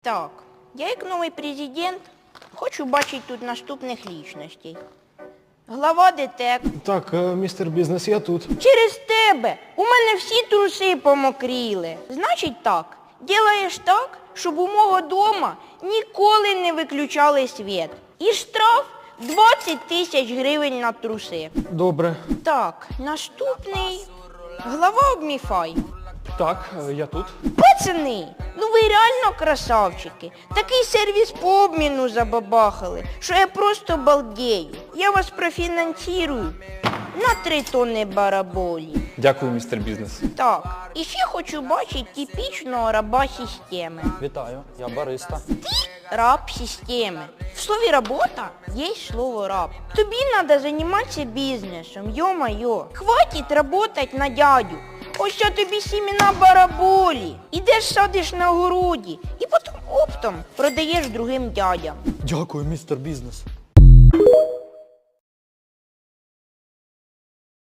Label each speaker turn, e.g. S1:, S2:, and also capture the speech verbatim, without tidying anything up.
S1: Так, я як новий президент хочу бачити тут наступних лічностей. Глава ДТЕК.
S2: Так, е, містер Бізнес, я тут.
S1: Через тебе у мене всі труси помокріли. Значить так, ділаєш так, щоб у мого дома ніколи не виключали світ. І штраф двадцять тисяч гривень на труси.
S2: Добре.
S1: Так, наступний. Глава обміфай.
S2: Так, е, я тут.
S1: Пацани, ну ви реально красавчики. Такий сервіс по обміну забабахали, що я просто балдею. Я вас профінансирую на три тонни бараболі.
S3: Дякую, містер Бізнес.
S1: Так, і ще хочу бачити типічного раба системи.
S3: Вітаю, я бариста.
S1: Раб системи. В слові робота є слово раб. Тобі треба займатися бізнесом, йо-майо. Хватить работать на дядю. Ось що тобі сімена бараболі. Ідеш садиш на городі і потім оптом продаєш другим дядям.
S4: Дякую, містер Бізнес.